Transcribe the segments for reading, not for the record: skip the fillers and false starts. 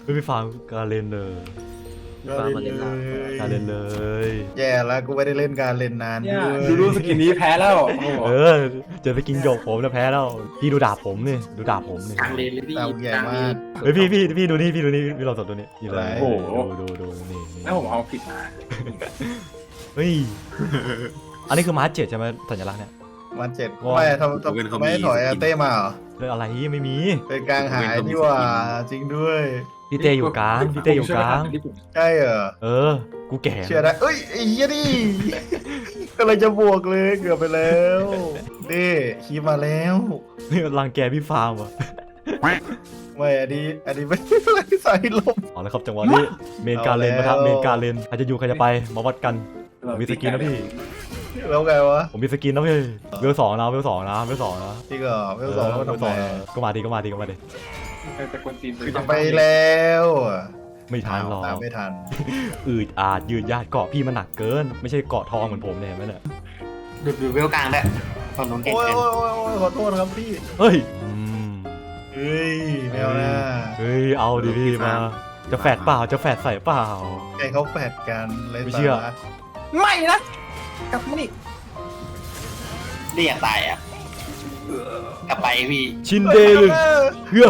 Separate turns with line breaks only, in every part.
ไม่ไปฟังการเล่นเลย
ฟ้ามาเล่นล่าง
การเล่นเลย
แย่แล้วกูไม่ได้เล่นการเล่นนาน
เนี่ย
ด้วย
ดูสกินนี้แพ้แล้วโอ้โห
เออเจอไปกินหยกผมจะแพ้แล้วพี่ดูดาบผมนี่ดูดาบผมนี่
กลางเลนเลยพี่
ตามใหญ่
กลาง
มา
เล
ก
น
เฮ้ยพี่ดูนี่พี่ลองสดตัวนี้นี่เลย
โอ้
ดูนี่
แล้วผมเอาผิดมา
เฮ้ยอันนี้คือมาร์เจ็ดใช่ไหมสัญลักษณ์เนี่ย
มันเจ็ด
ว้าว
ไม่ทำไม่ถอยเต้มาเหรอ
เรื่องอะไรไม่มี
เป็นกลางหายนี่ว่าจริงด้วย
พี่เตอยู่กลางพี่เตอยู่กลาง
ใช่เหรอ
เออกูแก่
เชื่อได้เอ้ยไอ้เหี้ยนี่ก็เลยจะบวกเลยเกือบไปแล้วนี่คีบมาแล้ว
นี่รังแกพี่ฟาร์มว่ะ
ไม่อันนี้ไม่อะไรสายลม
เอาละครับจังหวะนี้เมนการเลน
เอาแล้ว
นะครับเมนการเลนใครจะอยู่ใครจะไปมาวัดกันผมมีสกินนะพี่
แล้วไงวะ
ผมมีสกินนะพี่เวลสองนะเวลสองนะเวลสองนะ
พี่ก็เวลสองแล้วก็ทำไม
ก็มาดิก็มาดิ
แต่คนจีน
คือจะไปแล้ว
ไม่ทันหรอก
ตามไม่ทัน
อืดอาดยืดยาดเกาะพี่มันหนักเกิน ไม่ใช่เกาะทองเหมือนผมเนี่ยเห็นไหมเนี่ย
ดูเวลกลางได้ฝั่งนู้นเก่ง
โอ้ย
เกิน
โอ้ยขอโทษครับพี่
เฮ้ย
เฮ้ยไม่เอานะ
เฮ้ยเอาดิพี่มาจะแฝดเปล่าจะแฝดใส่เปล่า
ไอ้เขาแฝดกันเลย
ไม่เชื่อ
ตา
ไม่นะกลับมานี่
เรียกตายอ่ะกลับไปพี่
ชินเดลึเฮือ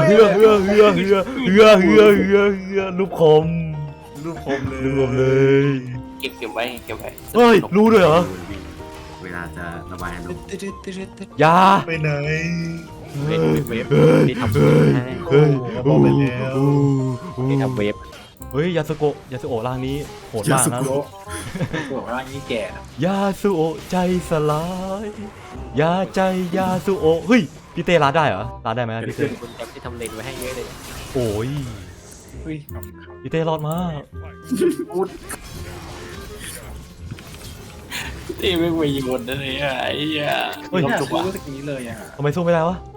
ลูกคม
รูปคมเลย
รวมเลย
เก็บไว้
เฮ้ยรู้ด้วยเหรอ
เวลาจะระบายอารมณ์
ยา
ไปไหน
เว็บนี่ทำ
เฮ้ย
โอ้บอกไปแล้ว
นี่ทำเว็บ
เฮ้ยยาสุโอะร่างนี้โหดมากนะ
บอกว่านี่แก่นะ
ยาสุโอะใจสลาย ยาใจยาสุโอะเฮ้ยพี่เต้ร้านได้เหรอร้านได้ไหมพี่เต้
คุณแอปที่ทำเลนไว้ให้เยอะเลย
โอ้ย
เฮ้ย
พี่เต้รอดมาก
ที่ไม่ไปยิงคนเลยอ่ะไอ้เหี้ย
เฮ้ย
ผมจะรู้สกินนี้เลยอ่ะ
ทำไมสู้ไม่ได้วะ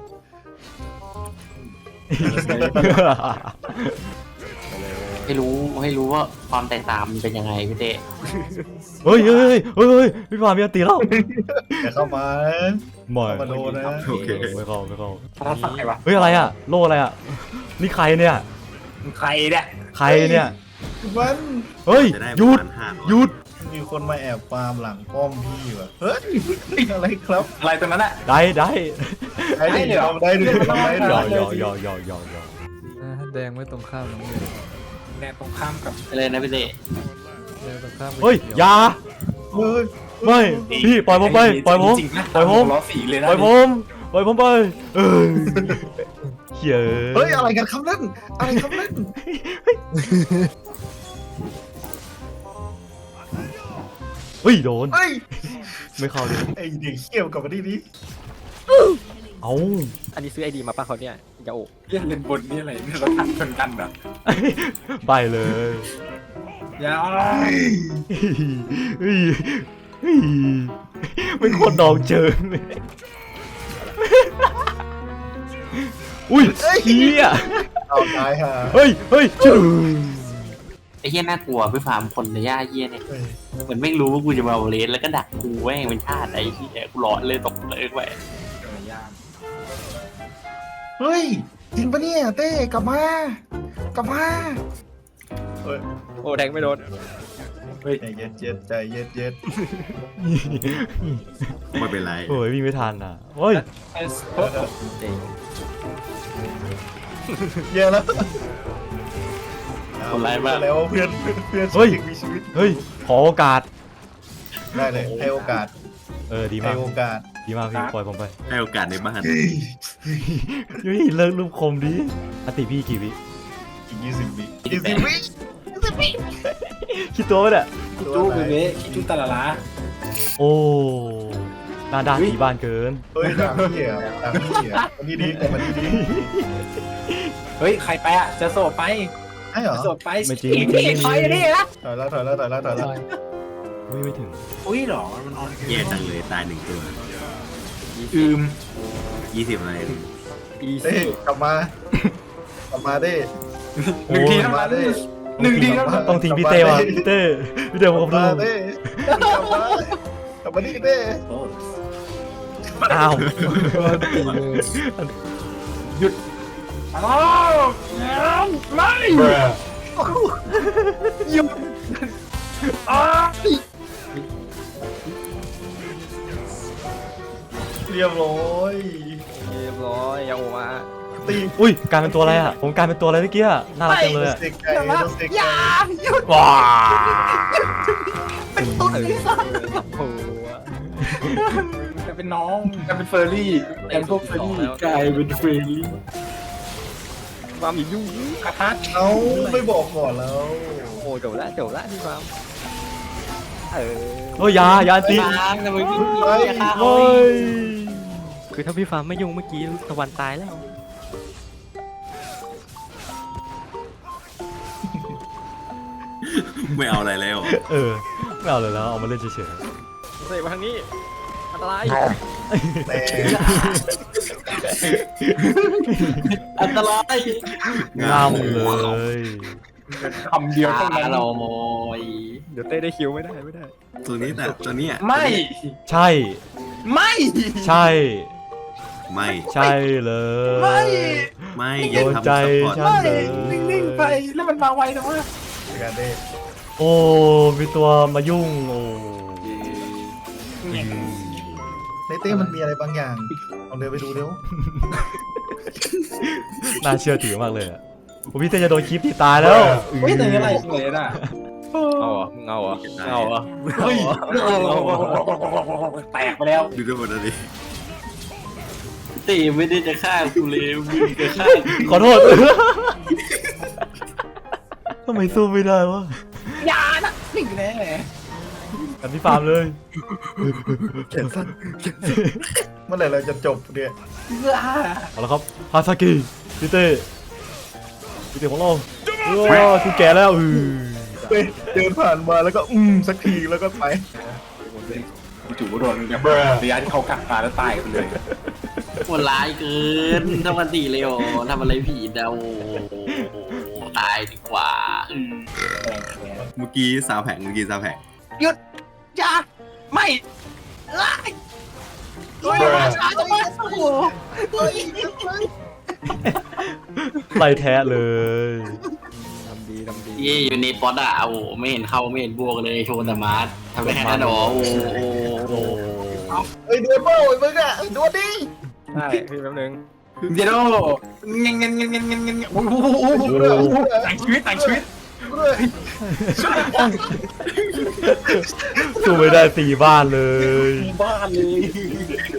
ให้รู้ว่าความแตกต่างมันเป็นยังไงพี่เต้
เฮ้ยพี่ฟาร์มมีอันตีแล้ว
อย่าเข้ามา
ไม่
เข้ามาโดนนะ
โอเค
ไม่เข้า
พระสักไงวะ
เฮ้ยอะไรอ่ะโล่อะไรอ่ะนี่ใครเนี่ย
ใครเนี่ย
ใครเนี่ย
มัน
เฮ้ย
จะได้
หยุด
ประมาณ500
หยุด
มีคนมาแอบฟาร์มหลังป้อมพี่ว่ะเฮ้ยอะไรครับ
อะไรตรงนั้นอ่ะ
ได้
ได้ดิ
เหรอ
ได้ดิได้ดิ
ยอ
ได้
ย
ดิ
อ
แดงไม่ตรงข้ามน้องเมย์
แนวตรงข้ามกับ
เลยนะพี่เต้
แดงตรงข้าม
เฮ้ยอยา
เฮ้ย
ไม่พี่ปล่อยผมไปปล่อยผม
จริงๆนะ
ปล่อยผม
ล้อสีเลยนะ
ปล่อยผมไปเออเฮ้ย
เฮ้ยอะไรกันครับนั่นอะไรครับนั่น
เฮ้ยโดน
เฮ้ย
ไม่เข้าเลย
ไอเด็กเขี้ยวกลับมาที่นี่
เอ้า
อันนี้ซื้อไอดีมาป่ะเขาเนี่ยยาโอ
เล่นเลนบนนี่อะไรเนี่ยเราทันชนกันเหรอ
ไปเลย
อย่า
เฮ้ยเป็นคนดองเจิงเลยอุ้ยเฮีย
เอาตายฮะ
เฮ้ยชื่อ
ไอ้เหี้ยน่ากลัวพี่ฟาร์มคนในย่าเหี้ยเนี่ย
เฮ้ย
เหมือนไม่รู้ว่ากูจะมาเลนแล้วก็ดักกูแม่งเป็นชาติไอ้เหี้ยกูหลอนเลยตกเลยไป
เฮ้ยจริงปะเนี่ยเต้กลับมากลับมาเฮ้ย
โอ้แดงไม่โดน
ใจเย็นเย็นใจเย็นเย็น
ไม่เป็นไร
โอ้ยวิ่งไม่ทันอ่ะเฮ้ย
เยอะแล้ว
คนร้ายมาก
แล้วเพื่อนมีชีวิต
เฮ้ยขอโอกาส
ได้เลยให้โอกาส
ดี
ให้
มาก
โอกาส
ดีมากพี่ปล่อยผมไป
ให้โอกาสในบ้าน
เฮ้ยเลิกรูปคมดิอติพี่กี่วิ
อีก20 วิ20 วิ
คิดตัวไว้เนี่ย
คิจูเบเบ้คิจูตาลาลา
โอ้หน้าด้านผีบ้านเกิน
เฮ้ยตามพี่อ่ะตามพี่อ่ะวันนี้ดีกว่าวันนี้ดี
เฮ้ยใครไปอ่ะจะโสดไป
ไอ้เหรอ
จะโสดไป
ไม่จริง
ถอยนี่นะ
ถอยแล้ว
ไม่ถึง
อุ้ยหรอมันออน
แย่จังเลยตาย1ตัว
อืม
20อะไร
เฮ้ยกลับมาได้
หนึ่งทีเท่านั้นหนึ่งทีเท่านั้น
ต้องทิ้งพี่เต้ว่ะพี่เต้ผม
กลับ
ดู
มาได้กลับมาดิเต้
อ้าว
หยุดอ้าวไม่
เรียบร้อย
เรียบร้อยอย่าโอมา
ตี
อุ้ยกลายเป็นตัวอะไรอ่ะผมกลายเป็นตัวอะไรเมื่อกี้อะน่ารักจังเลยอะ
เสกไก่เสกไก่
ว้า
โอ้โห
จะเป็นน้องจะเป็นเฟอร์รี่แอนพวกเฟอร์รี่กลายเป็นเฟอร์รี่
ความอีกยุ่ง
กระทัด
เอ้าไม่บอกก่อนแล้ว
โอ้จบละพี่ฟาร์มเออ
โอ้ยยาตี
ล้างนะมึงอย่าฆ่าเขา
โอ้ย
คือถ้าพี่ฟาร์มไม่ยุ่งเมื่อกี้ตะวันตายแล้ว
ไม่เอาอะไรแล้ว
เออไม่เอาเลยแล้วเอามาเล่นเฉย
เสกมาทางนี้อันตราย
แต่
อันตราย
ๆงามเลย
คำเดียวเท่านั้น
เราโมย
เดี๋ยวเต้ได้คิวไม่ได้
ตัวนี้แต่ตัวเนี้ย
ไม่
ใช่
ไม่
ใช่
ไม่
ใช่เลย
ไม่
โด
อย่าน ทำ
ใจ
ซัพพอร์ต
ฉันเลย
นิ่งๆไปแล้วมันมาไวนะวะ
การเด้
โอ้มีตัวมายุ่งโอ้
ในเต้มันมีอะไรบางอย่างลองเดินไปดูเร็ว
น่าเชื่อถือมากเลยอ่ะโอ้พี่เต้จะโดนคลิปตีตายแล้ว
เฮ้ยแต่ยังไงเลยน่ะ
เอาเหรอมึงเอาเหรอเอาเหรอ
เฮ้ยแตกไปแล้ว
ดูด้วยหมดเลยดิ
ตีไม่ได้จะฆ่ากูเลยมึงจะฆ่า
ขอโทษ ทำไมสู้ไม่ได้วะ
อย่านะนิ่งแน่
กันที่ฟาร์มเลย
เมื่อไหร่เราจะจบเนี่ย
เอาละครับฮาซากิพี่เต้ของเราคือแก่แล้ว
เดินผ่านมาแล้วก็สักทีแล้วก็ไป
จู่ๆโดนเนี่ยระยะที่เขากักตาแล้วตายไปเลย
โหดร้ายเกินทำกันตีเลยโอทำอะไรผิดเดาตายดีกว่า
เมื่อกี้ซาวแผง
หยุดอย่าไม่ไล่เฮ้ยมาช้าจังวะโอ้โห
ไล่แท้เลย
ทำดี
เย่อยู่ในป๊อตอะโอ้ไม่เห็นเข้าไม่เห็นบวกเลยโชว์แต่มาร์ททำได้แค่นั้นหรอโอ้
โอ้
เฮ้ยดวลเปล่าไอ้มึงอ่ะดวลดิ
ใช่พี่แป๊บนึง
เดี๋ยวเงี้ยโอ้โหแต่งชีวิต
สู้ไม่ได้ตีบ้านเลย
บ้านเลย